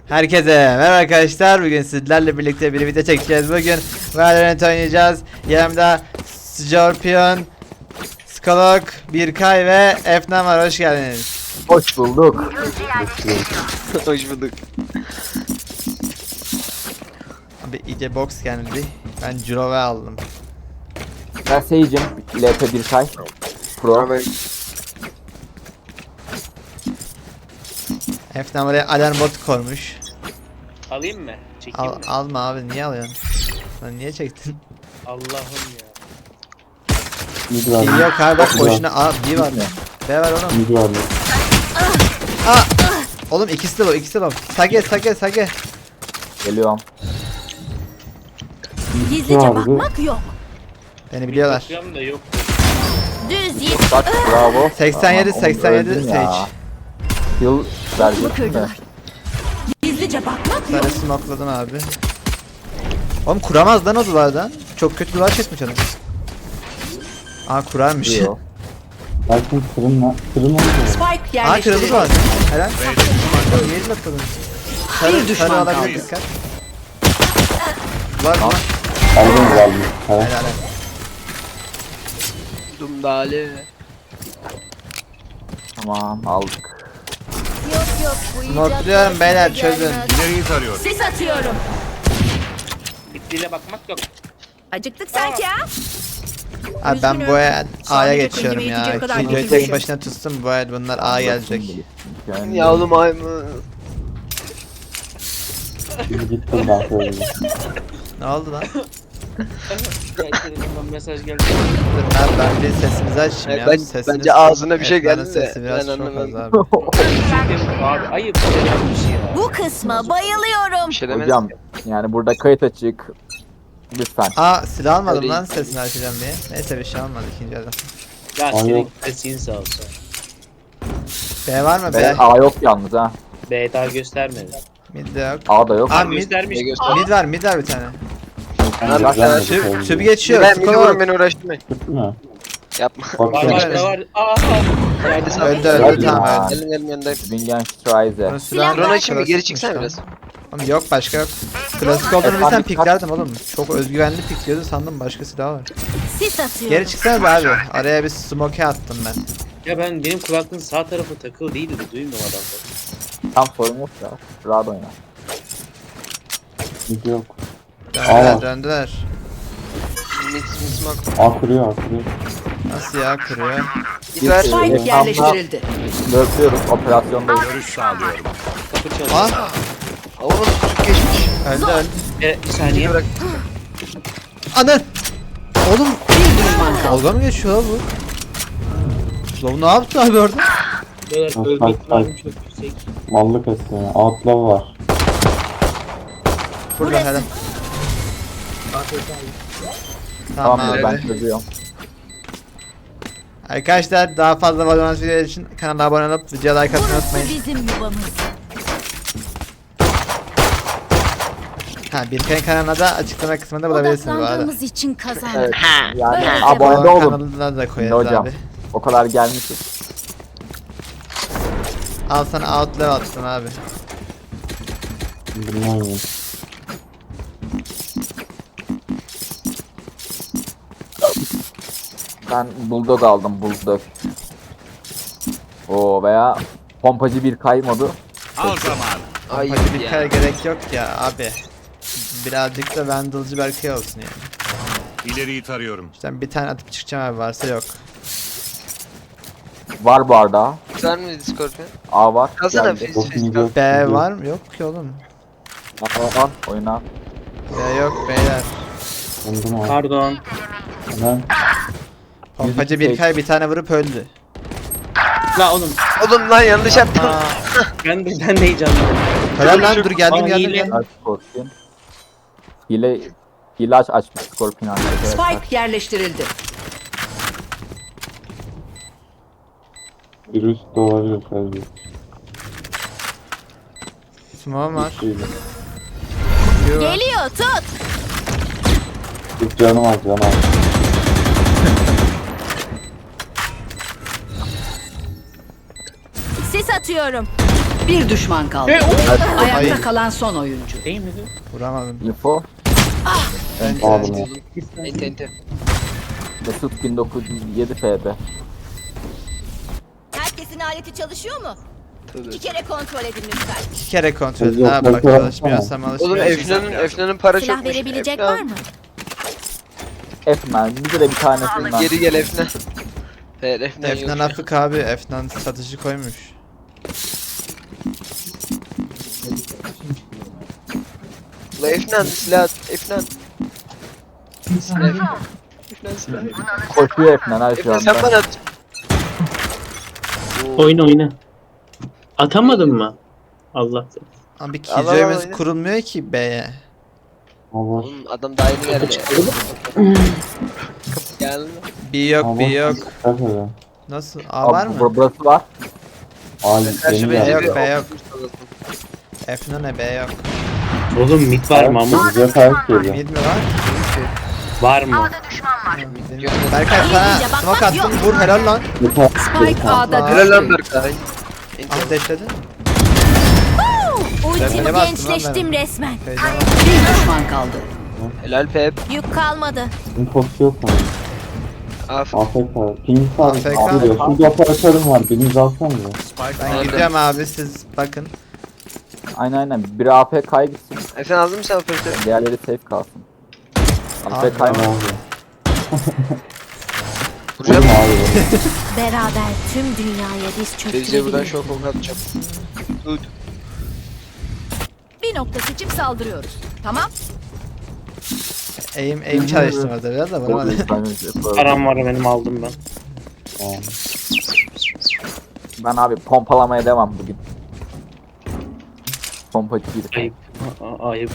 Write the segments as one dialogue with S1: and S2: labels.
S1: Herkese merhaba arkadaşlar. Bugün sizlerle birlikte bir video çekeceğiz. Bugün Valorant oynayacağız. Yanımda Scorpion, Skolok, Birkay ve Efnan var. Hoş geldiniz.
S2: Hoş bulduk.
S3: Hoş bulduk.
S1: Abi iyice box geldi. Ben Jurove aldım.
S2: Ben Sage'im. LP1K Pro.
S3: Abi,
S1: Efnan buraya alarm bot koymuş.
S4: Alayım mı? Çekeyim mi?
S1: Alma abi, niye alıyorsun? Lan niye çektin?
S4: Allah'ım ya.
S1: İyi yok abi, bak boşuna. Aa, B var. B var oğlum. Aa! Oğlum ikisi de Sage.
S2: Geliyorum.
S5: Gizlice bakmak yok.
S1: Beni biliyorlar.
S4: Bakıyorum da yok.
S5: Düz yet.
S2: Bak bravo.
S1: 87
S2: Onu
S1: 87
S2: öldün
S1: Sage.
S2: ya. Yıl verecek mi?
S5: Kırdılar. Gizlice bakmak yok.
S1: Sarı smokladım abi. Oğlum kuramaz lan o duvardan. Çok kötü duvar çekmiş adam. Aa kurarmış.
S2: Diyor.
S6: Belki kırılma
S5: Spike
S1: Aa kırıldı
S5: yerleştirildi.
S1: duvar. Helal. Yeri atladım. Sarı
S5: düşman
S1: olabilir,
S5: kaldı.
S1: dikkat. Var mı?
S6: aldın geldi. Evet.
S1: Helal.
S3: Dumdale.
S2: Tamam aldık.
S5: Yok bu
S1: Smokluyorum beyler, çözün.
S5: Sis atıyorum.
S4: Bittiğine bakmak yok.
S5: Acıktık sanki ha?
S1: Abi ben bu el A'ya
S5: Sadece
S1: geçiyorum
S5: kendime
S1: ya.
S5: yetecek kadar
S1: Videoyu
S5: getirmişim.
S1: tek başına tutsun, bu el bunlar A gelecek.
S2: Yani
S3: Ya oğlum ay mı?
S6: Şimdi gittim ben söyleyeyim.
S1: Ne oldu lan?
S4: Telefondan mesaj geldi.
S1: Dur ben bir sesimizi açayım ya.
S3: Ben,
S1: Sesiniz
S3: bence
S1: çok-
S3: ağzına bir şey
S1: Efnan'ın
S3: geldi de.
S1: sesi biraz
S3: Ben
S1: çok az
S3: anlamadım.
S1: abi.
S4: Abi ayıp yapmış ya.
S5: Bu kısma bayılıyorum.
S3: Bir şey demez.
S2: hocam yani burada kayıt açık. Lütfen.
S1: Aa silah almadım
S3: Öyle
S1: lan sesini açacağım diye. Neyse bir şey almadı ikinci adam.
S4: Ya
S6: Ay
S4: senin
S6: yok.
S4: sesin sağ olsun.
S1: B var mı
S2: B,
S1: B?
S2: A yok yalnız ha.
S4: B daha göstermedi.
S1: Mid de yok.
S2: A da yok.
S1: Aa mid,
S4: Göstermiş.
S3: Ne göster?
S1: mid var bir tane.
S6: Ben
S2: bak,
S6: güzel
S3: şu-
S6: bir
S1: Tüp
S6: söyleyeyim.
S1: geçiyor.
S3: Ben bir
S1: Skor.
S3: vurun beni uğraştırmayın.
S6: Tuttu mu?
S3: Yapma.
S6: Bak
S4: Var
S6: sen-
S4: var da var. Aa.
S3: Nerede sen?
S1: Öldü
S2: Hadi
S1: tamam
S2: ya.
S1: öldü.
S3: Gelin yanındayım.
S2: Bingen Strize.
S1: Bunu
S5: Silah
S1: silahla
S3: Drone açayım mı? Geri
S1: klasik
S3: çıksana
S1: tutmuş
S3: biraz.
S1: lan. Oğlum yok başka yok. Klasik olduğunu
S2: Efendim,
S1: bilsem
S2: kaç-
S1: piklerdim oğlum. Çok özgüvenli pikliyordu sandım, başka silah var.
S5: Sis atıyorum.
S1: Geri çıksana be abi. Araya bir smoke attım ben.
S4: Ya benim kulaklığın sağ tarafı takılı değildi. Duymuyorum adamları.
S2: Tam sorun yok ya. Rahat oyna.
S6: Video yok.
S1: Döndüler
S6: Aa.
S1: döndüler.
S3: Mix bak.
S6: A kuruyor.
S1: Nasıl ya, kuruyor?
S3: Git ver.
S5: Spike
S2: Evet.
S5: yerleştirildi.
S2: Dörtlüyoruz. Operasyondayız.
S4: Kapı çaldı.
S1: Aa
S3: Oğlum çocuk geçmiş.
S1: öldü.
S4: Bir saniye.
S3: Bırak.
S1: Anı. Oğlum
S5: Bir düşman kaldı.
S1: dalga mı geçiyor lan bu? Lan ne yaptı abi orada?
S4: Beyler
S6: Bak,
S4: ölme
S6: bak,
S4: ihtimalim çok yüksek.
S6: Mallık esnemi. Outlaw var.
S1: Burada
S5: Burası.
S1: hele. Tamam
S2: Tamamdır ben
S1: abi.
S2: çözüyorum.
S1: Arkadaşlar daha fazla Valorant videoları için kanala abone olup videoya like atmayı
S5: Burası
S1: unutmayın.
S5: bizim yuvamız.
S1: Ha, Birkay'ın kanalına da açıklama kısmında bulabilirsiniz bu arada.
S5: Odaklandığımız için kazandık.
S2: Evet. Yani
S5: Böyle
S2: abone de
S1: Onun
S2: olun.
S1: kanalına da
S2: Ne
S1: koyarız
S2: hocam?
S1: abi.
S2: O kadar gelmişiz.
S1: Al sana outlaw attım abi.
S6: Bunu oynayayım.
S2: Ben bulldog aldım bulldog. O veya pompacı bir kaymadı.
S3: Ay
S1: Hadi bir
S3: ya.
S1: kere gerek yok ya abi. Birazcık da Vandal'cı Berkay olsun yani.
S7: İleriyi tarıyorum.
S1: İşte bir tane atıp çıkacağım abi, varsa yok.
S2: Var bu arada.
S3: Var mı Scorpion?
S2: A var.
S3: Kalsana
S2: Geldi.
S3: face face.
S6: Video.
S1: B var mı? Yok ki oğlum.
S2: Al, oyna.
S1: B yok beyler.
S6: Buldum abi.
S4: Pardon.
S6: Hemen.
S1: Pompacı
S2: 102
S1: Birkay bir tane vurup öldü.
S4: La oğlum
S3: Oğlum lan yanlış yaptım.
S1: Aa,
S4: ben de heyecanlıyım.
S1: helal lan, dur geldim
S4: Aa,
S1: geldim
S4: hile.
S1: geldim.
S2: Aç Scorpion. Hile açmış Scorpion arkadaşlar.
S5: Spike yerleştirildi.
S6: Virüs de olabilir sadece.
S1: Smoke var.
S6: Şeyle.
S1: Yo.
S5: Geliyor tut.
S6: Bir canım az canım az.
S5: Sis atıyorum. Bir düşman kaldı.
S1: Ay.
S5: Ayakta kalan son oyuncu.
S4: Değil mi?
S1: Vuramadım.
S2: Info.
S6: Aldım ya.
S3: Ente ente.
S2: Mesut 1907 FB.
S8: Herkesin aleti çalışıyor mu?
S3: Tabii.
S8: 2 kere kontrol edin lütfen.
S1: 2 kere kontrol edin
S6: Yok,
S1: abi bak
S6: kontrol
S1: çalışmıyorsam
S3: Oğlum
S1: alışmıyorsam.
S3: Efna'nın para
S8: Silah
S3: çokmuş.
S8: verebilecek
S3: Efna.
S8: var mı?
S2: F-Man. Bize de bir tanesinden.
S3: Geri gel Efna. Evet Efna yok.
S1: Efnan Afık abi Efnan satıcı koymuş.
S3: La Efna silah at. Efna. Silah. Efna silah.
S2: Koşuyor F-Man her şu
S3: Efna sen
S2: anda.
S3: bana at.
S4: Oyna oyna. Atamadın mı? Allah.
S1: Abi
S3: Allah
S1: killjoy'umuz
S3: Allah.
S1: kurulmuyor ki B'ye.
S6: Allah.
S3: Oğlum adam daha yeni geldi. Geldi.
S1: B yok
S6: Allah.
S1: B yok.
S6: Dikkat edin.
S1: Nasıl? A var mı?
S2: Burası var.
S6: Ali
S3: Karşı
S6: yeni
S1: B
S3: bence
S6: geldi.
S1: yok,
S3: bir
S1: B yok.
S3: okumuş
S1: Efnan ne B yok.
S4: Oğlum mid var mı ama?
S6: Bize ters geliyor.
S1: Mid mi var?
S4: Var mı?
S1: Berkay sana smoke attım vur helal lan.
S6: Bir ters
S5: Spike
S6: geliyor.
S5: A'da
S3: Helal lan
S5: düştü.
S3: Berkay.
S1: Ah deşledin.
S8: Ultim
S1: ne bastım lan
S8: gençleştim resmen.
S5: Bir düşman kaldı.
S3: Helal Pep.
S8: Yük kalmadı.
S6: Infosu yok mu?
S3: Af.
S6: AFK. Ping var.
S1: AFK.
S6: Abi diyor. Şurada operatörüm var. Biriniz alsana mı?
S1: Ben
S3: Nerede?
S1: gidiyorum abi siz bakın.
S2: Aynen. Biri APK'ya gitsin.
S3: Efendim aldın mı sen operatörü?
S2: Diğerleri safe kalsın.
S1: Abi,
S2: APK
S6: Ne
S2: mı?
S6: oldu?
S3: Vuracağım.
S6: Vurma abi bunu.
S8: Beraber tüm dünyaya diz
S3: Teyze buradan
S8: çöktürebiliriz.
S3: şok ok atacağım. Dur.
S8: Bir nokta seçip saldırıyoruz. Tamam.
S1: Aim çalıştım orada biraz da vuramadım.
S4: Param var benim aldım ben.
S6: Tamam.
S2: Ben abi pompalamaya devam bugün. Pompacı bir.
S4: Ayıp. Ayıp.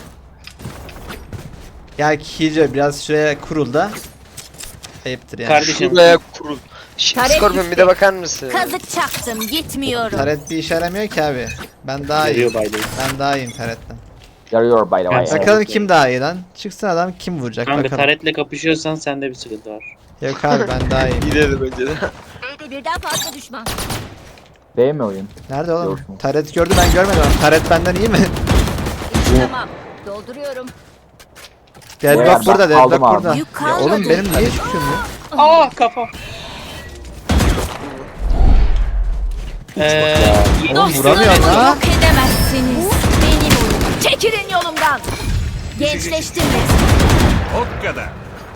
S1: Ya Killjoy biraz şuraya kurul da. Ayıptır yani.
S4: Kardeşim.
S3: Şuraya kurul.
S8: Taret
S3: Scorpion bir
S8: gitti.
S3: de bakar mısın?
S8: Kazık çaktım gitmiyorum.
S1: Taret bir işe yaramıyor ki abi. Ben daha iyiyim.
S4: Geliyor by the way.
S1: Ben daha iyiyim taretten.
S2: Yarıyor by the way.
S4: Evet.
S1: Bakalım kim daha iyi lan. Çıksın adam kim vuracak
S4: Kanka
S1: bakalım.
S4: taretle kapışıyorsan sende bir sıkıntı var.
S1: Yok abi ben daha iyiyim.
S3: Gidelim önce de.
S8: B'de birden fazla düşman.
S2: Değil mi oyun?
S1: Nerede oğlum?
S2: Yok mu?
S1: Taret gördü ben görmedim. Taret benden iyi mi?
S8: Tamam. Dolduruyorum.
S1: Deadlock
S2: Ben
S1: burada,
S2: aldım
S1: Deadlock
S2: abi.
S1: burada.
S8: Yük
S1: Ya
S8: kalmadı.
S1: oğlum benim niye çıkıyorum ya?
S4: Aa kafa.
S1: Oğlum vuramıyorum
S8: Dostlarımı
S1: ha.
S8: yok edemezsiniz. Benim oyunum. Çekilin yolumdan. Gençleştim resmen.
S7: O kadar.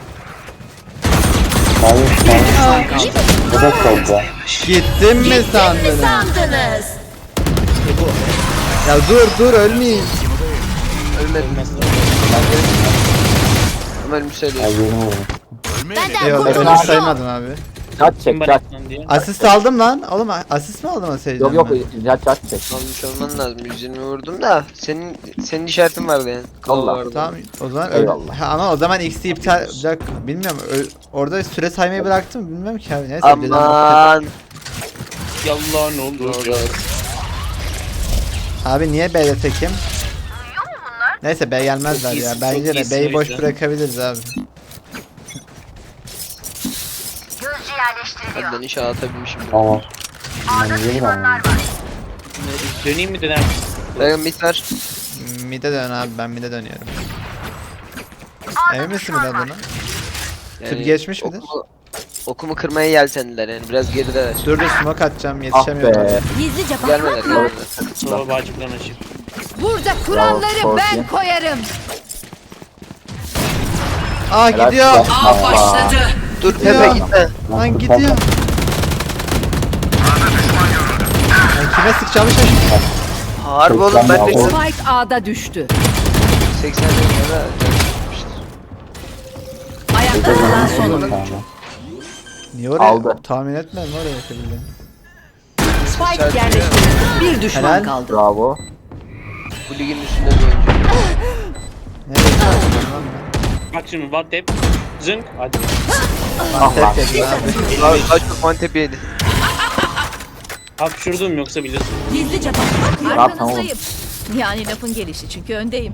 S6: Hayır. Hayır. Bu da solda.
S1: Gittim mi
S8: Ne
S1: sandın?
S8: sandınız?
S1: Ya dur ölmeyeyim.
S3: Ölmedim. Ömer müsaade.
S6: Ay yeni vurdum.
S8: Benden
S1: Eyvallah
S8: kurtulun
S1: ölmüş
S8: yok.
S1: saymadın abi.
S2: Chat
S4: Kim
S2: çek
S4: bana
S2: chat.
S4: lan diye.
S1: Asist aldım lan. Oğlum asist mi aldım o seyirciden
S2: Yok yok
S1: ben?
S2: chat çek.
S3: Almış olman lazım. 120 vurdum da senin işaretin vardı yani. Kol
S2: Allah.
S3: vardı.
S1: Tamam o zaman
S2: Eyvallah.
S1: Ha, ama o zaman X'i iptal olacak. Bilmiyorum orada süre saymayı bıraktım bilmiyorum ki abi. Neyse
S3: Aman.
S4: Yallah ne oldu?
S1: Abi niye B'de tekim? Neyse B gelmezler
S4: Çok
S1: ya.
S4: iyisin,
S1: Bence
S4: çok
S1: de
S4: iyisin
S1: B'yi
S4: o
S1: boş
S4: yüzden.
S1: bırakabiliriz abi.
S3: Benden inşallah atabilmişim.
S6: Tamam. Ben gelir ama.
S4: Döneyim mi döner?
S3: Bakın mit var.
S1: Mid'e dön abi ben mid'e dönüyorum. Emin misin mid'e dönün? Tüp geçmiş midir?
S3: Okumu kırmaya yeltendiler yani biraz gerideler.
S1: Dur smoke atacağım
S2: Ah
S1: yetişemiyorum.
S2: be.
S8: Gizlice
S3: Gelmediler
S8: bakmak mı?
S3: gelmediler.
S4: Sola bağcıktan açayım.
S5: Burada kuralları
S2: Bravo,
S5: ben
S2: Scorpion.
S5: koyarım.
S1: Aa
S2: Helal
S1: gidiyor.
S2: olsun.
S5: Av başladı.
S3: Dur
S1: Gidiyor.
S3: Pepe gitme.
S1: Lan gidiyor. Ben kime sıkacağımı şaşırdım.
S3: Harbi oğlum ben de
S6: Tamam.
S5: Spike A'da düştü.
S3: 80 lira
S5: Ayakta kalan son oyuncu.
S6: Tamam.
S1: Niye oraya
S2: Aldı.
S1: tahmin etmedim oraya yapabildim.
S5: Spike yerleştirildi. Bir düşman
S1: Helal.
S5: kaldı.
S2: Bravo.
S3: bu ligin üstünde bir oyuncu.
S1: Nereye sıkacağım lan
S4: Bak şimdi what tap. Zınk. Hadi.
S2: Ah
S1: ben?
S2: lan.
S1: Tek yedim abi.
S3: Daha çok mantep yedi.
S4: Hapşurdum yoksa biliyorsun.
S8: Gizlice bakmak mı?
S2: Rahat tamam.
S8: Yani lafın gelişi çünkü öndeyim.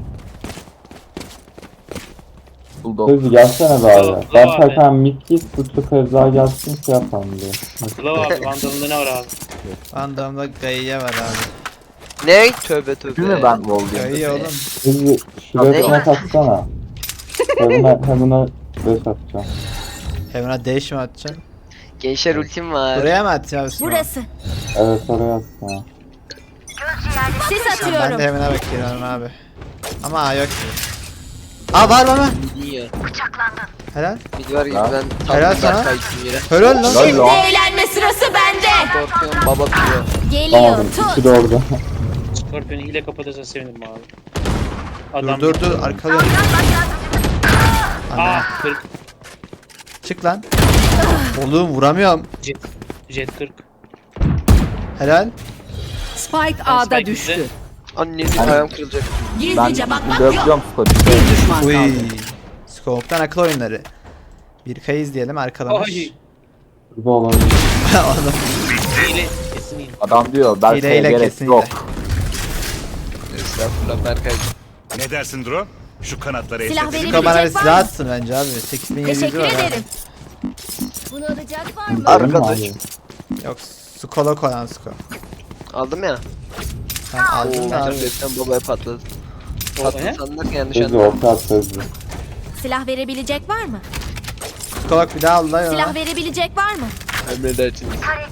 S2: Bulldog.
S6: Sözü gelsene be
S4: Bravo,
S6: abi. Ben
S4: bravo abi.
S6: zaten mid git bu kez daha gelsin şey yapalım diye.
S4: Kulağı abi bandalında ne var abi?
S1: Vandam'da Gaiye var abi.
S3: Ne? Tövbe tövbe.
S2: Değil mi ben wall
S1: Ya iyi
S2: diyeyim?
S1: oğlum.
S6: Hızlı şuraya smoke atsana. Heaven'a beş atacağım.
S1: Heaven'a dash mi atacaksın?
S3: Gençler ultim var.
S1: Buraya mı atacağım abi?
S8: Burası.
S6: Evet oraya atsana.
S8: Sis
S1: Ben
S8: atıyorum.
S1: de Heaven'a bakıyorum abi. Ama yok ki. Aa var mı?
S3: Niye?
S1: Helal.
S3: Mid var gibi
S2: Ya.
S3: ben
S1: Helal
S3: tam
S1: sana.
S3: uzak kaydım yere.
S1: Helal lan.
S2: Helal lan.
S8: Eğlenme sırası bende.
S3: Korkuyorum baba kırıyor.
S8: Geliyor.
S6: Tamam
S8: Tut.
S6: ikisi de orada.
S4: Scorpion'u hile kapatırsa sevinirim abi.
S1: Dur
S4: Adam
S1: dur dur arkalıyorum. Ana.
S4: Ah 40.
S1: Çık lan. Oğlum vuramıyorum.
S4: Jet 40.
S1: Helal.
S5: Spike A'da
S4: Spike
S5: düştü.
S4: bizde.
S3: Annenin ayağım kırılacak.
S2: Ben
S8: Gizlice bakmak yok.
S2: dövüyorum skoru.
S5: Bir düşman
S1: Uy.
S5: kaldı.
S1: Scope'dan akıl oyunları. Bir kayı izleyelim arkalamış.
S4: Ay.
S6: Burada olabilir.
S1: Oğlum
S4: Hile. Kesin hile.
S2: Adam diyor Berkay'a
S1: hileyle
S2: gerek
S1: kesin
S2: yok.
S1: hile.
S3: Estağfurullah Berkay.
S7: Ne dersin Dro? Şu kanatları
S8: Silah
S7: esnetelim.
S8: verebilecek
S1: Scope bana bir
S8: var
S1: silah
S8: mı?
S1: atsın bence abi. 8700
S8: Teşekkür
S1: var ha.
S8: ederim. Bunu alacak var mı?
S3: Arkadaş.
S1: Yok Skolok olan Scope.
S3: Aldım ya.
S1: Sen aldın da abi.
S3: Tabletten babaya patladı.
S4: O
S3: Patladı
S4: ne?
S3: sandık yanlış
S6: Sözlü
S3: anladım.
S6: orta at sözlü.
S8: Silah verebilecek var mı?
S1: Skolok bir daha al da
S8: Silah
S1: ya.
S8: verebilecek var mı?
S3: Emredersiniz.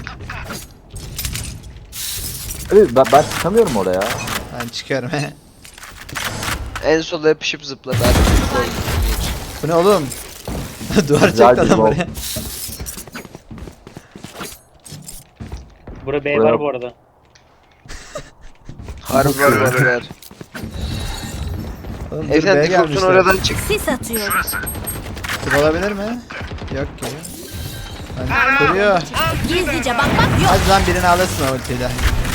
S2: Evet, ben çıkamıyorum oraya.
S1: Ben çıkıyorum.
S3: En sola yapışıp zıpladı.
S1: Bu ne oğlum? Duvar
S2: Güzel
S1: çekti
S2: bir
S1: adam
S2: bol.
S1: buraya.
S4: Bura B
S2: Buraya-
S4: var bu arada.
S3: Harbi var var.
S1: Oğlum dur B'ye
S3: Efendim default'un
S1: gelmişler.
S3: oradan çık.
S8: Sis atıyorum.
S1: Dur olabilir mi? Yok ki. Ben kuruyor.
S8: Gizlice bakmak yok.
S1: Hadi lan birini alırsın o ultiyle.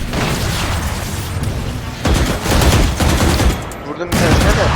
S3: Vurdum bir tanesine de.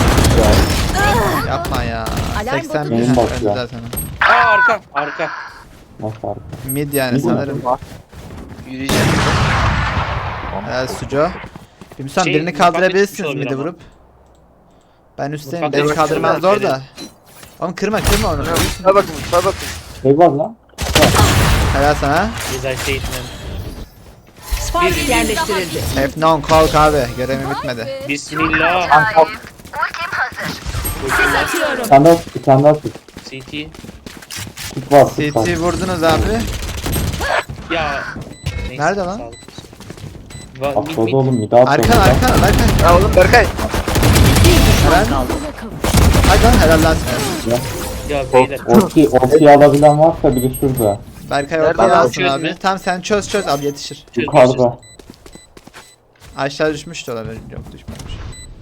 S1: Yapma ya.
S8: Alarm
S1: 80
S8: botu
S1: bin
S6: düştü.
S1: öldü zaten.
S4: Aa arka. Arka.
S6: Nasıl arka?
S1: Mid yani
S6: Mid mi?
S1: sanırım.
S2: Var.
S3: Yürüyeceğim.
S1: Helal Suco. Bilmiyorum
S4: Şey,
S1: birini
S4: mutfak yetişmiş
S1: kaldırabilirsiniz
S4: olabilir
S1: mid'i
S4: ama.
S1: vurup. Ben üstteyim.
S4: Mutfak
S1: Beni
S4: yetişmiş
S1: kaldırmaz
S4: olabilir.
S1: zor da. Oğlum kırma onu.
S3: Mutfağa bakın mutfağa bakın.
S6: Şey var lan.
S1: Helal sana.
S4: Güzel statement.
S5: Spike yerleştirildi.
S1: F-non kalk abi. Görevim bitmedi.
S4: Bismillah.
S2: Ben kalk.
S8: Sis atıyorum.
S6: Sen de at.
S4: CT.
S6: Tut var tut var.
S1: CT vurdunuz abi.
S4: Ya. Neyse,
S1: Nerede lan?
S4: sağlık. Va- mid
S6: Atladı
S4: mid.
S6: oğlum bir daha atladı.
S1: Arkan.
S3: Ya oğlum Berkay.
S1: Helal. Hadi lan helal lan sana.
S4: Ya beyler.
S6: Ortayı alabilen varsa biri şurada.
S1: Berkay
S3: Nerede
S1: ortaya
S3: lan?
S1: alsın
S4: Çöz
S1: abi.
S4: mü?
S1: Tamam sen çöz abi yetişir.
S6: Yukarıda.
S1: Aşağı düşmüş de olabilir. Yok düşmemiş.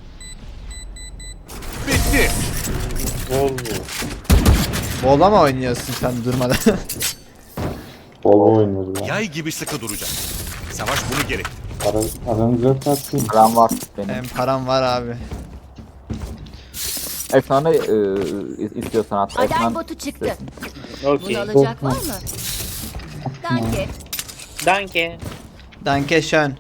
S7: Bitti.
S4: Volvo.
S1: Bola mı oynuyorsun sen durmadan?
S6: Bol oynuyoruz ya.
S7: Yay gibi sıkı duracak. Savaş bunu gerekti.
S6: Paranız yoksa atayım.
S2: Param var benim.
S1: Benim param var abi.
S2: Efsane istiyorsan hatta.
S8: Alarm
S2: Efsane.
S8: botu çıktı.
S4: Okey.
S8: Bunu alacak var mı? Danke.
S4: Danke.
S1: Danke schön.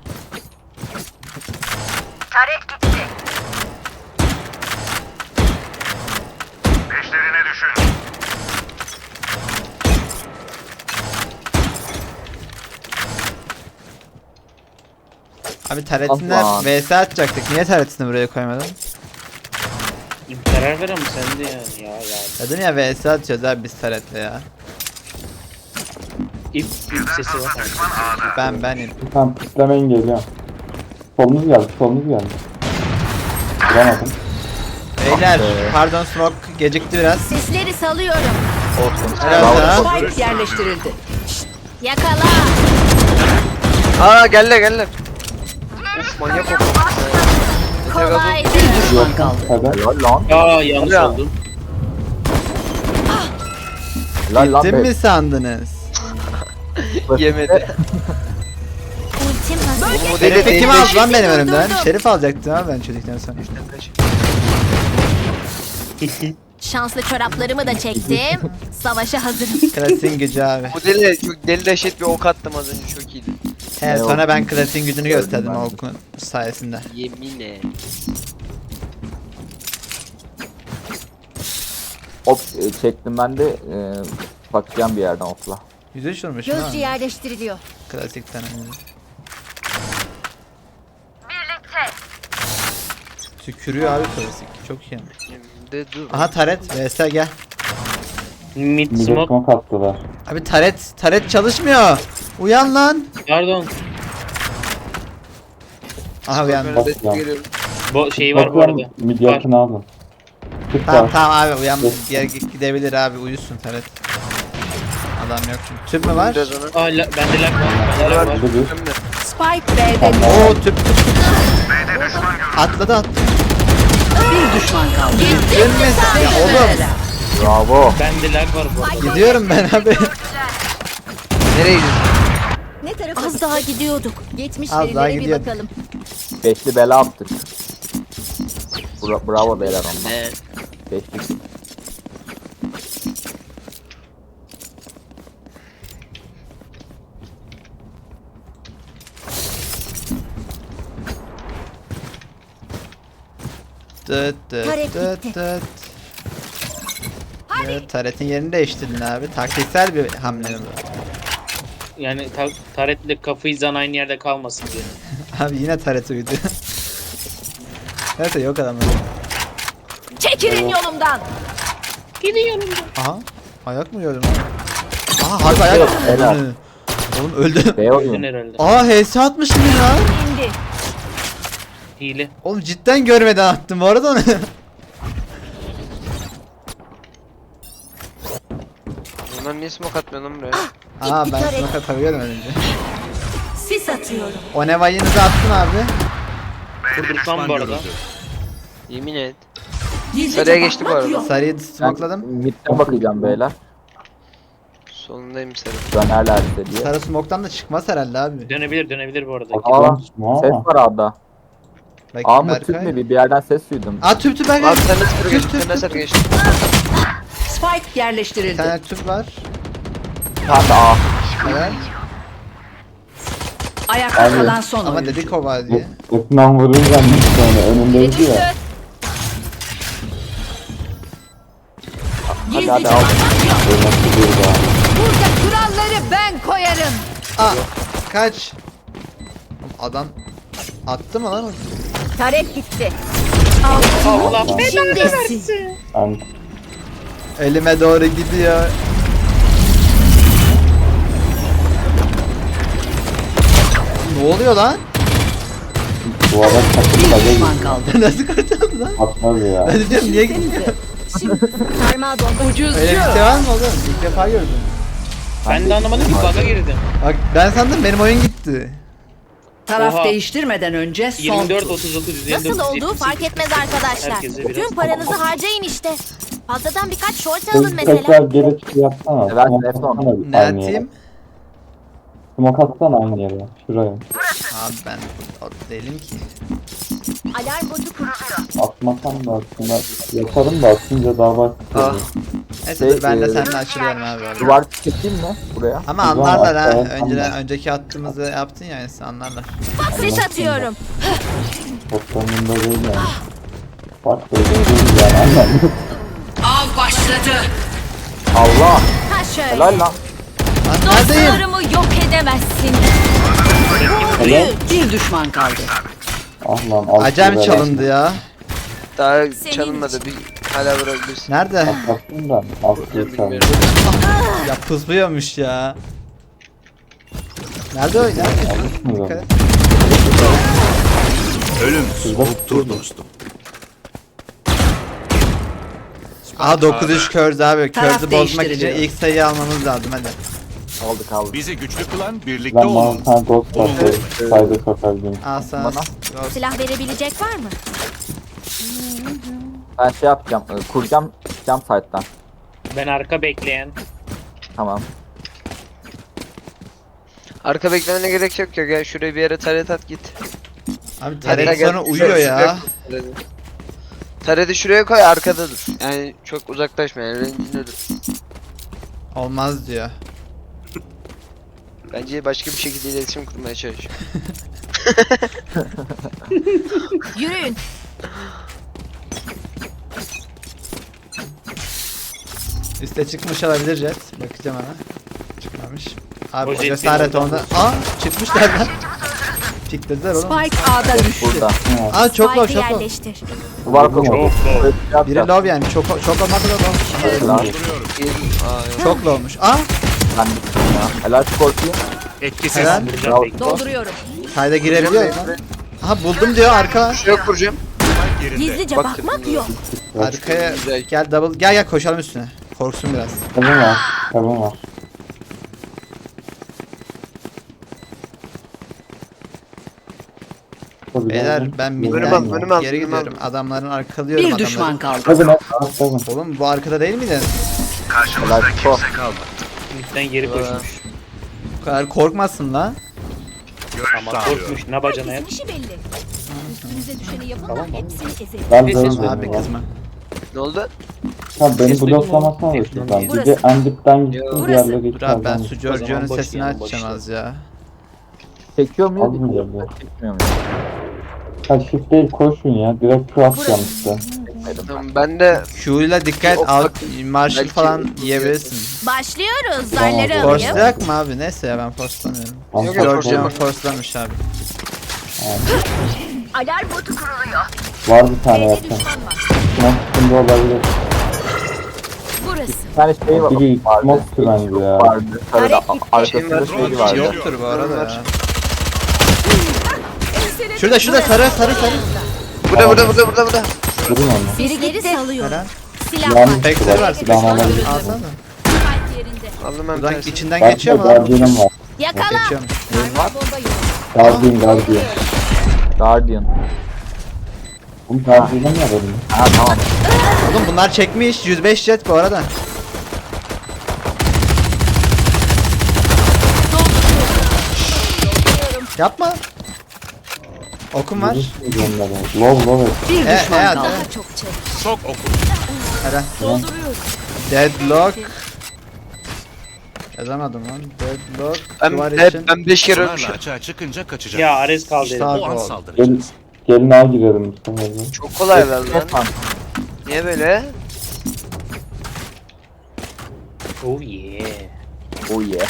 S1: Abi taretinler
S2: Aman.
S1: vs atacaktık. Niye taretini buraya koymadın?
S4: Karar ver ama sen de yani ya.
S1: Dedim ya vs atacağız abi biz taretle ya.
S4: İp sesi var.
S1: Benim.
S6: Tamam pislemeyin geliyor. Solunuz geldi. Vuramadım.
S1: Beyler pardon smoke gecikti biraz.
S8: Sisleri salıyorum.
S1: Helal sana.
S5: Spike yerleştirildi.
S8: Yakala.
S3: Aa geldiler. Uf manyak oldu.
S8: Kolay.
S5: Bir düşman kaldı.
S6: Hadi.
S2: Helal lan.
S4: Aa yanlış
S3: Ya.
S4: oldum.
S2: Helal lan.
S1: Gittim
S2: be.
S1: mi sandınız?
S3: Yemedi.
S8: Ultim hazır.
S3: Bu
S1: Şerif'i
S3: deli
S1: kim
S3: değil.
S1: aldı lan benim önümden?
S8: Durdurdum.
S1: Şerif alacaktım abi ben çocuktan sonra.
S8: Şanslı çoraplarımı da çektim. Savaşa hazırım.
S1: Klasiğin gücü abi.
S3: Bu deli çok deli dehşet bir ok attım az önce çok iyiydi.
S1: He
S2: Ne
S1: sonra
S2: oldu?
S1: ben klasiğin gücünü gösterdim
S2: ben
S1: o
S2: de.
S1: okun sayesinde.
S3: Yemin et.
S2: Hop çektim ben de bakacağım bir yerden okla.
S1: 103 vurmuşum ha.
S8: Gözcü yerleştiriliyor.
S1: Klasikten önce. Tükürüyor abi klasik. Çok iyi.
S3: De dur.
S1: Aha taret. VS gel.
S4: Mid
S6: Millet
S4: smoke.
S6: smoke attılar.
S1: Abi taret çalışmıyor. Uyan lan.
S4: Pardon.
S1: Aha uyandı.
S3: Ben de geliyorum.
S4: Bu şey var bu
S6: Bakıyorum
S4: arada.
S6: mid
S4: Var.
S6: yakını alın. Tık
S1: Tamam
S6: var.
S1: tamam abi uyan. Diğer gidebilir abi uyusun taret. Adam yok çünkü. Tüp mü var?
S3: Biraz ona.
S4: Aa, bende lag var. Bende lag var.
S6: Burada bir.
S3: Hem de.
S5: Spike B'de
S1: Oo tüp. Atladı.
S5: bir düşman kaldı.
S1: Dönmesin ya oğlum.
S2: Bravo.
S4: Bende lag var bu arada.
S1: Gidiyorum ben abi.
S3: Nereye gidiyorsun?
S8: Ne tarafa? Az daha gidiyorduk. Geçmiş
S1: Az daha
S8: verilere bir
S1: gidiyorduk.
S8: bakalım.
S2: Beşli bela attık. Bravo beyler onlar.
S3: Ne?
S2: Beşli.
S1: Dıt dıt
S8: Taret
S1: dıt
S8: gitti.
S1: dıt. Evet, taretin yerini değiştirdin abi. Taktiksel bir hamle bu.
S4: Yani taretle kafayı zan aynı yerde kalmasın diye.
S1: Abi yine taret uydu. Evet yok adamlar.
S8: Çekilin yolumdan.
S1: Aha. Ayak mı gördün? Aha harbi ayak.
S2: Helal.
S1: Oğlum öldü.
S2: B
S4: Öldün
S2: oyun.
S4: herhalde.
S1: Aa HS atmışım ya.
S8: İndi.
S4: Hile.
S1: Oğlum cidden görmeden attım bu arada onu.
S3: Onlar niye smoke atmıyor lan buraya?
S1: Aa ben
S8: taret.
S1: smoke atabiliyordum önce.
S8: Sis atıyorum.
S1: O nevayınızı attın abi.
S4: Kurdurtmam bu arada.
S3: Yemin et. Sarıya geçti bu arada.
S1: Sarıyı smokeladım.
S2: Mid'den bakacağım beyler.
S3: Solundayım sarı.
S2: Dönerlerse diye.
S1: Sarı smoke'tan da çıkmaz herhalde abi.
S4: Dönebilir bu arada.
S2: Aa,
S6: Smoke
S2: ses
S6: ama.
S2: var A'da. A
S1: Bakayım
S2: mı tüp
S1: Berkay.
S2: mü bir yerden ses duydum.
S1: Aa tüp Berkay.
S3: Abi sen de sarı
S1: Tüp,
S3: geçtin.
S1: tüp,
S3: Sen de
S1: tüp.
S3: sarı geçtin.
S5: Spike
S1: Bir
S5: yerleştirildi.
S1: tane tüp var.
S2: Tamam da A.
S1: Evet.
S5: Ayakta
S6: Abi,
S5: kalan son
S1: Ama
S5: oyuncu.
S1: dedik o var diye.
S6: Yakından vurunca ne sonra önündeydi ya.
S2: Hadi hadi al.
S6: Böyle nasıl bir daha.
S5: Burada kuralları ben koyarım.
S1: Aa kaç. Adam attı mı lan o?
S8: Taret gitti.
S4: Allah
S8: Şimdisi.
S6: Ben
S1: Elime doğru gidiyor. Ne oluyor lan?
S6: bu arada
S5: Bir
S6: takılmadı
S5: düşman kaldı.
S1: Nasıl kurtuldu lan?
S6: atmaz ya.
S1: Ben de diyorum niye gitmiyor?
S8: Sarmal bomba.
S5: Ucuzcu.
S1: Öyle bir şey var mı oğlum? İlk defa gördüm.
S4: Ben de anlamadım ki bug'a girdim.
S1: Bak ben sandım benim oyun gitti.
S5: Taraf
S4: Oha.
S5: değiştirmeden önce son
S4: 24
S5: tur.
S4: 39 159
S8: Nasıl olduğu
S4: 78.
S8: fark etmez arkadaşlar.
S4: Herkese biraz-
S8: Tüm paranızı harcayın işte. Fazladan birkaç short alın
S6: Siz
S8: mesela.
S6: tekrar geri çıkı yapsana.
S2: Evet,
S6: Smoke
S2: evet,
S6: atsana
S1: Ne
S6: aynı yere.
S1: atayım?
S6: Smoke atsana aynı yere. Şuraya.
S1: Abi ben o değilim ki.
S8: Alarm botu kuruluyor.
S6: Atmasam da aslında yaparım da atınca daha bak.
S3: Ah.
S1: Neyse dur ben de seninle açılıyorum abi. Öyle.
S2: Duvar çekeyim mi buraya?
S1: Ama anlarlar ha.
S6: Evet,
S1: Önceki attığımızı yaptın ya yani anlarlar.
S8: Sis atıyorum.
S6: Toplamında değil yani. Bak böyle değil yani anladın.
S5: Av başladı.
S2: Allah.
S8: Ha şöyle.
S2: Helal lan.
S1: Lan neredeyim?
S8: Dostlarımı yok edemezsin.
S5: Bir düşman kaldı.
S6: Ah lan alt
S1: Acem
S6: lira
S1: çalındı ya.
S3: Daha
S8: Senin
S3: çalınmadı. Bir hala vurabilirsin.
S1: Nerede?
S6: Atlattım da alt lira çalındı.
S3: Bilmiyorum.
S1: Ya pızlıyormuş ya. Nerede o? Nerede?
S6: Mı
S1: Dikkat et.
S7: Ölüm soğuktur dostum.
S1: Aha 9-3 kördü abi.
S5: Taraf
S1: Kördü bozmak için
S5: değiştiriliyor.
S1: ilk sayıyı almamız lazım hadi.
S2: Aldık aldık.
S7: Bizi güçlü kılan birlikte
S6: Ben bana
S7: olmamız.
S6: sana ghost
S7: Oğlum,
S6: atayım. Sayda sokabilirim.
S1: Al sana.
S2: Bana.
S1: Ghost.
S8: Silah verebilecek var mı?
S2: Ben şey yapacağım. Kuracağım. Çıkacağım site'dan.
S4: Ben arka bekleyen.
S2: Tamam.
S3: Arka beklemene gerek yok ya. Gel şuraya bir yere taret at git.
S1: Abi
S3: Hatta
S1: taret
S3: gel,
S1: sonra uyuyor
S3: şuraya
S1: ya.
S3: koy tareti. Tareti şuraya koy arkada dur. Yani çok uzaklaşma yani rencinde dur.
S1: Olmaz diyor.
S3: Bence başka bir şekilde iletişim kurmaya çalış.
S8: Yürüyün.
S1: Üste çıkmış olabilir Jet. Bakacağım ona. Çıkmamış. Abi
S4: O
S1: o
S4: Jet
S1: cesaret
S4: benim
S1: onda. Aa çıkmışlar lan. Piklediler oğlum.
S5: Spike A'da düştü.
S2: Burada.
S1: Aa çok low
S8: Spike'ı
S1: çok low.
S8: yerleştir.
S2: Duvar kapı.
S4: Çok doğru.
S1: Biri low yani çok olmak da low.
S3: Yedim. Aa, yok.
S1: Çok low'muş. Aa
S2: Ben bittim ya. Helal Scorpion.
S7: Etkisiz.
S1: helal.
S4: Vuracağım bekle.
S5: Dolduruyorum.
S1: Kayda girebiliyor lan. Aha buldum diyor arka.
S3: Şuraya kuracağım.
S7: Yerinde.
S8: Gizlice
S3: Bak
S8: bakmak
S3: dedim
S8: yok.
S1: Arkaya
S3: Güzel.
S1: gel double gel koşalım üstüne. Korksun biraz.
S6: Kabın var. Kabın var.
S1: Beyler ben
S3: Önüme al,
S1: midden
S3: önüme al,
S1: geri
S3: önüme al.
S1: gidiyorum. Adamların arkalıyorum
S5: Bir düşman
S1: adamları.
S5: kaldı.
S6: Kabın et. Kabın.
S1: Oğlum bu arkada değil miydi?
S2: Helal Scorpion.
S4: Midden geri koşmuş.
S1: Bu kadar korkmasın lan.
S4: Ama korkmuş. Ne bacana ya?
S8: İşi belli. Üstünüze düşeni yapın da hepsini ezelim.
S6: Ben
S4: Neyse,
S6: böyle
S1: Abi
S6: dedim ya.
S1: kızma.
S3: Ne oldu?
S6: Ha beni
S4: Ses duydun mu?
S6: bloklamasana da
S4: Ses duydun
S6: şuradan.
S4: mu?
S6: Bir de en dipten gittim
S3: Burası.
S6: diğerleri
S1: Dur abi ben
S6: içeriden.
S1: su Giorgio'nun
S4: boş
S1: sesini
S4: diyelim, boş
S1: açacağım az ya.
S2: Çekiyor muyuz?
S6: Almıyor bu.
S2: Çekmiyor muyuz?
S6: Ha shift değil koşun ya. Direkt Q atacağım işte.
S3: Tamam, ben de
S1: Q ile dikkat
S3: Yok,
S1: al.
S3: bak,
S1: Marshall
S3: belki
S1: falan
S3: bu-
S1: yiyebilirsin.
S8: Başlıyoruz.
S6: Tamam,
S8: Zarları
S6: doğru.
S8: alayım.
S1: Forslayak mı abi? Neyse ya ben forslamıyorum.
S6: Tamam,
S3: Yok, yok,
S1: Giorgio
S3: forslama.
S1: forslamış abi.
S8: Alarm botu kuruluyor.
S6: Var bir tane
S8: B'de
S6: yakın.
S8: düşman var.
S6: Smoke üstünde olabilir.
S8: Burası.
S2: Bir tane şey var.
S6: Biri smoke'tu bence ya.
S2: Vardı. Sarıda
S8: Arek gitti.
S2: arkasında
S3: Şey
S2: şey vardı.
S1: Yoktur bu arada ya.
S3: Var.
S1: Şurada sarı.
S3: burada.
S6: Durun onu.
S8: Biri geri salıyor.
S1: Helal.
S8: Silah
S6: Yani
S8: var.
S1: Bekleri var.
S6: Silahını alabilir.
S1: Alsana.
S8: Spike yerinde.
S3: Aldım ben bir
S1: Buradan
S3: tanesini.
S1: içinden
S6: Ben
S1: geçiyor
S6: de
S1: mu lan?
S6: Guardian'ım var.
S8: Yakala.
S1: Geçiyormuş.
S8: Sarmal bomba yok.
S6: Guardian.
S2: Guardian.
S6: Bunu Guardian'ım ya benim.
S2: Ha tamam.
S1: Oğlum bunlar çekmiş 105 jet bu arada. Yapma. Okum var.
S6: Low.
S5: Bir düşman
S1: hadi.
S5: kaldı.
S8: Daha çok çevir.
S7: Çok oku.
S1: Helal.
S8: Dolduruyoruz.
S1: Deadlock. Yazamadım lan. Deadlock. Duvar için.
S3: Ben 5 kere
S7: Sonarla
S3: ölmüşüm.
S7: açığa çıkınca kaçacak.
S4: Ya Ares kaldı
S1: İşte
S4: elimde.
S1: abi.
S7: O an
S1: Gol.
S7: saldıracağız.
S6: Gelin ağa girelim bu sefer de.
S3: Çok kolay herhalde lan.
S2: Tamam.
S3: Niye böyle?
S4: Oh yeah.
S2: Oh yeah.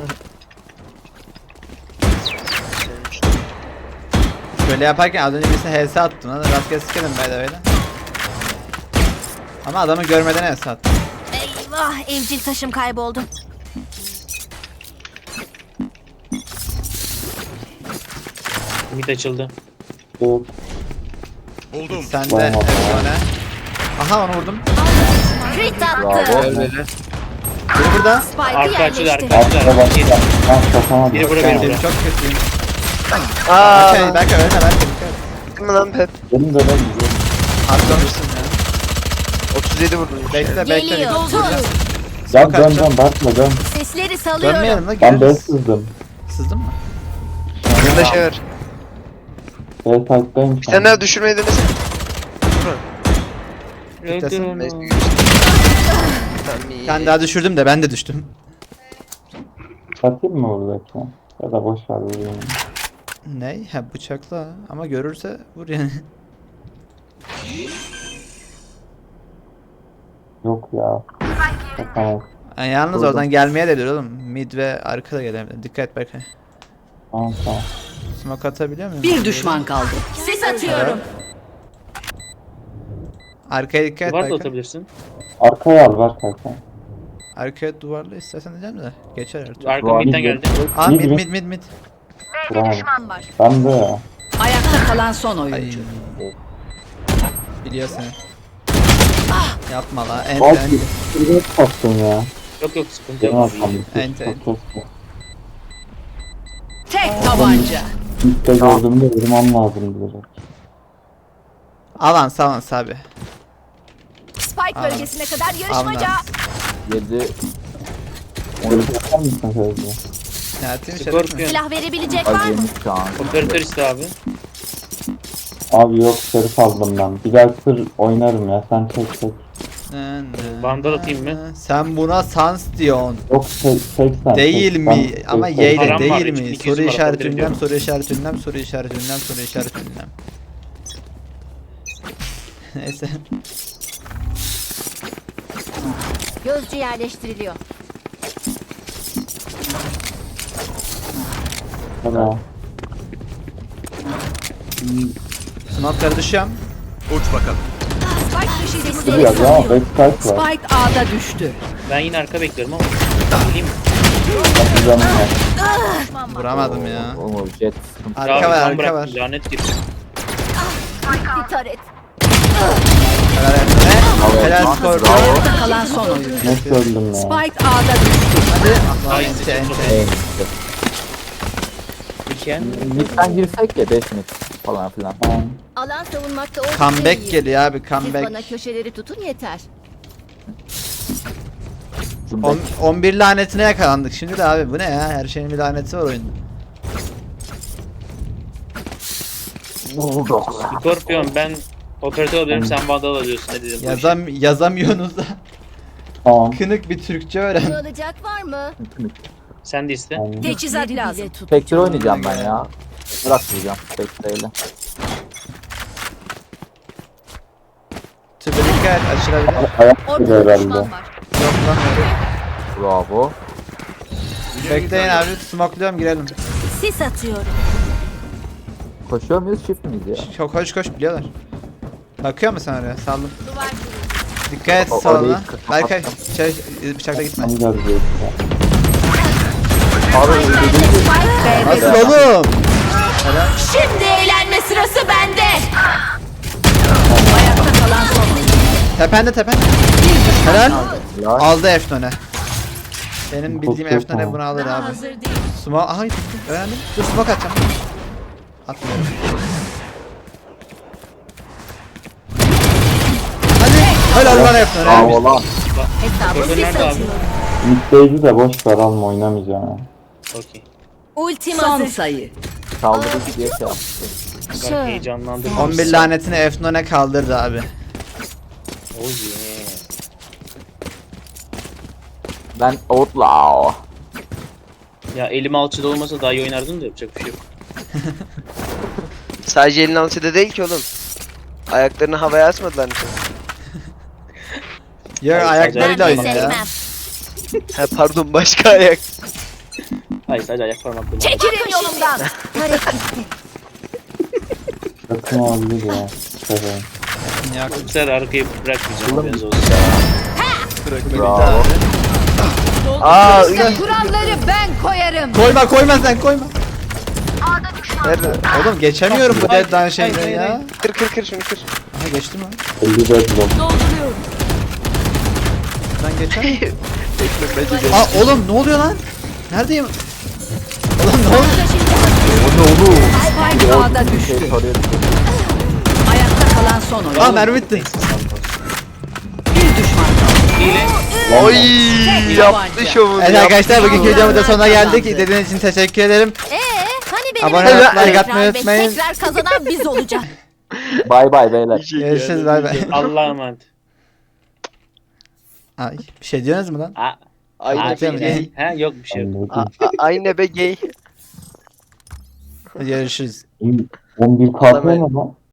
S1: Şöyle yaparken az önce birisine HS attım lan. Rastgele sikerim böyle böyle. Ama adamı görmeden HS attım.
S8: Eyvah evcil taşım kayboldu.
S4: Mid açıldı.
S6: Yok.
S7: Buldum.
S1: Sen de
S6: Vay vay.
S1: efsane. Aha onu vurdum.
S8: Crit
S2: Bravo.
S8: attı.
S3: Böyle.
S1: Biri burada.
S8: Spike'ı
S4: Arka açıldı,
S8: yerleştir.
S4: arka açıldı.
S6: Arkada bak.
S4: Yedi.
S6: Ben sokamadım.
S4: Biri burada, biri
S1: Benim
S4: burada.
S1: çok kötüyüm.
S3: Aaa.
S1: Belki ölme belki.
S3: Gittin mi lan Pep?
S6: Benim de ben gidiyorum.
S1: Atlamışsın ya.
S3: 37 vurdum.
S1: Bekle
S8: Geliyor. Tut.
S6: Dön
S1: kaçacağım.
S6: dön bakma dön.
S8: Sesleri salıyorum.
S1: Dönmeyelim la
S6: Ben B
S1: görürüz.
S6: sızdım.
S1: Sızdın mı?
S3: Bunda şey var.
S6: B site'dayım
S3: Bir tane daha düşürmeyi denesene.
S1: Kitlesin.
S3: Neyse. Tamam iyi.
S1: Ben daha düşürdüm de ben de düştüm.
S6: Satayım mı buradaki? Ya da boş ver vurayım.
S1: Ne? Ha bıçakla ama görürse vur yani.
S6: Yok ya. Tamam.
S1: Yani yalnız
S6: Vurdum.
S1: oradan gelmeye de bilir oğlum. Mid ve arka da gelebilir. Dikkat et Berkay.
S6: Tamam.
S1: Smoke atabiliyor muyum?
S5: Bir düşman kaldı.
S8: Ses atıyorum.
S1: Arkaya dikkat et
S4: Duvar da
S1: Berkay.
S4: atabilirsin.
S6: Arkaya al ver kanka.
S1: Arkaya duvarla istersen diyeceğim de. Geçer her türlü.
S4: Arka
S2: Duvar
S4: midden
S6: mid.
S4: geldi.
S1: Aa
S6: Mid,
S1: mid
S6: mid.
S1: mid mid mid.
S6: Bravo.
S8: Düşman var.
S6: Ben de ya.
S5: Ayakta kalan son
S1: Ay.
S5: oyuncu.
S1: Biliyor seni. Yapma la. Ent
S6: Bak
S1: ent.
S6: bir taktın ya.
S4: Yok sıkıntı
S6: Benim
S4: yok.
S6: hatam.
S1: Ent ent.
S5: Tek tabanca.
S6: İlk de gördüğümde vurmam lazım direkt.
S1: Avans avans abi.
S8: Spike
S1: Aa.
S8: bölgesine kadar yarışmaca.
S1: Avans.
S2: 7.
S6: Böyle yapar mısın Fevzi?
S1: Ne atayım şeref mi?
S4: Scorpion.
S8: Silah verebilecek var mı?
S2: Acemi şu an.
S4: Operatör iste abi.
S6: Abi yok şerif aldım ben. Bir daha sır oynarım ya. Sen çek.
S4: Vandal atayım mı?
S1: Sen buna sans diyorsun.
S6: Yok tek sen.
S1: Değil
S6: çek.
S1: mi?
S6: Ben
S1: Ama
S6: tek-
S1: yeyle
S4: Param var,
S1: değil mi?
S4: 3200
S1: Soru
S4: var,
S1: işareti
S4: atabilirim
S1: ünlem,
S4: diyorum.
S1: soru işareti ünlem, soru işareti ünlem, soru işareti ünlem. Neyse.
S8: Gözcü yerleştiriliyor.
S6: Tamam.
S1: Smoke'ları düşüyorum.
S7: Uç bakalım.
S8: Spike taşıyıcımız
S6: Biraz ama backside var.
S5: Spike A'da düştü.
S4: Ben yine arka bekliyorum ama. Bileyim mi?
S6: Patlıcanım var.
S1: Vuramadım ya.
S2: O jet sıkıntı.
S1: Arka
S4: Ya,
S1: var,
S4: ben
S1: arka
S4: bıraktım,
S1: var.
S4: Lanet gibi.
S8: bir taret.
S1: Helal Efne.
S2: Evet,
S1: Helal
S2: bravo.
S1: Scorpion.
S5: Ayakta kalan son oyuncu.
S6: Nasıl öldüm ya?
S5: Spike A'da düştü.
S1: Hadi.
S4: Ay,
S1: Ente, ente.
S4: Diken.
S2: Mid'den girsek ya 5 mid falan filan.
S6: Tamam.
S8: Alan savunmakta oldukça
S1: Comeback
S8: iyi.
S1: geliyor abi,
S8: Siz
S1: comeback.
S8: bana köşeleri tutun yeter.
S1: 11 lanetine yakalandık şimdi de abi, bu ne ya? Her şeyin bir laneti var oyunda.
S4: Scorpion ben operatör alıyorum sen vandal alıyorsun ne dedim.
S1: Yazamıyorsunuz da.
S6: Tamam.
S1: Kınık bir Türkçe
S8: Bunu
S1: öğren.
S8: alacak var mı?
S4: Sen de iste.
S6: Tamam.
S8: Teçhizat lazım.
S2: Spectre oynayacağım ben ya. Bırakmayacağım Spectre'yle.
S1: Tübe dikkat, açılabilir.
S6: Ayak
S8: Ortada
S6: gibi herhalde.
S8: düşman var.
S1: Yok lan öyle.
S2: Bravo.
S1: Bekleyin abi, smokluyorum, girelim.
S8: Sis atıyorum.
S2: Koşuyor muyuz shift miyiz ya?
S1: Çok koş koş, biliyorlar. Bakıyor musun oraya? Saldım.
S8: Duvar kırıldı.
S1: Dikkat et
S2: O-
S1: soluna.
S2: orayı
S1: Berkay,
S2: kapattım.
S1: bıçakla gitme.
S6: Tam geldi diyor.
S1: Nasıl oğlum?
S8: Şimdi eğlenme sırası bende.
S5: Ayakta kalan son oyuncu.
S1: Tepende tepende. Helal.
S2: Ya,
S1: Aldı Efnone. Benim bildiğim
S6: Çok
S1: Efnone
S6: tamam.
S1: bunu alır
S8: Daha
S1: abi.
S8: hazır değil.
S1: Smoke, aha gitti. Öğrendim. Dur smoke atacağım. Atmıyorum. Hadi. Helal lan Efnone.
S2: bravo lan.
S8: Hesabı
S4: Operatör
S8: sis
S4: nerede abi?
S8: atıyorum.
S6: Mid'deydi de boş ver, alma, oynamayacağım ya.
S4: Okey.
S8: Ultim
S5: Son
S8: hazır.
S5: sayı.
S2: Kaldırdık diye şey yaptı.
S4: Ben heyecanlandım.
S1: 11 lanetini Efnone kaldırdı abi.
S4: Oh yeah.
S2: Ben outlaw.
S4: Ya elim alçıda olmasa daha iyi oynardım da yapacak bir şey yok.
S3: Sadece elin alçıda değil ki oğlum. Ayaklarını havaya asmadılar mı?
S1: Yok,
S4: Hayır,
S1: ayaklarıyla
S4: sadece-
S1: oynuyor ya.
S3: Ha pardon, başka ayak.
S4: Hayır sadece ayak parmaklarım.
S8: Çekilin yolumdan. Taret gitti.
S6: Yakın olabilir ya. Şöyle.
S1: Yok.
S4: Bu sefer arkayı bırakmayacağım haberiniz olsun.
S2: Bravo.
S3: Aa,
S8: Kuralları ben koyarım.
S1: Koyma sen koyma.
S3: nerede?
S1: Oğlum geçemiyorum bu
S4: Hayır,
S1: deadline şeyden
S4: hayır,
S1: ya.
S4: hayır.
S3: Kır şunu kır.
S1: Aha geçtim lan.
S6: 50 red block.
S8: Dolduruyorum.
S1: Ben geçer.
S3: Bekle bence de.
S1: Aa oğlum ne oluyor lan? Neredeyim? Oğlum ne oluyor?
S5: Spike A'da
S2: Şey
S5: düştü.
S2: soruyor.
S5: Ayakta kalan son oyuncu.
S1: Aa mermi bitti.
S5: Bir düşman kaldı.
S4: Hile.
S3: Oy,
S5: Tek
S3: yaptı
S5: tabanca.
S3: şovunu.
S1: Evet arkadaşlar, bugünkü videomuzun da sonuna
S5: Kazandı.
S1: geldik. İzlediğiniz için teşekkür ederim.
S8: Hani benim
S1: Abone
S8: de-
S1: olup like
S8: Tekrar
S1: atmayı
S8: ve
S1: unutmayın.
S8: Tekrar kazanan biz olacağız.
S2: Bay bay beyler.
S1: Görüşürüz, bay bay.
S4: Allah'a emanet.
S1: Ay, bir şey diyorsunuz mu lan?
S3: Aynı
S1: Atıyor
S3: be
S1: mu?
S3: gay.
S4: Ha yok bir şey yok.
S3: Aynı be gay.
S1: Görüşürüz.
S6: 11 kalkıyor mu lan?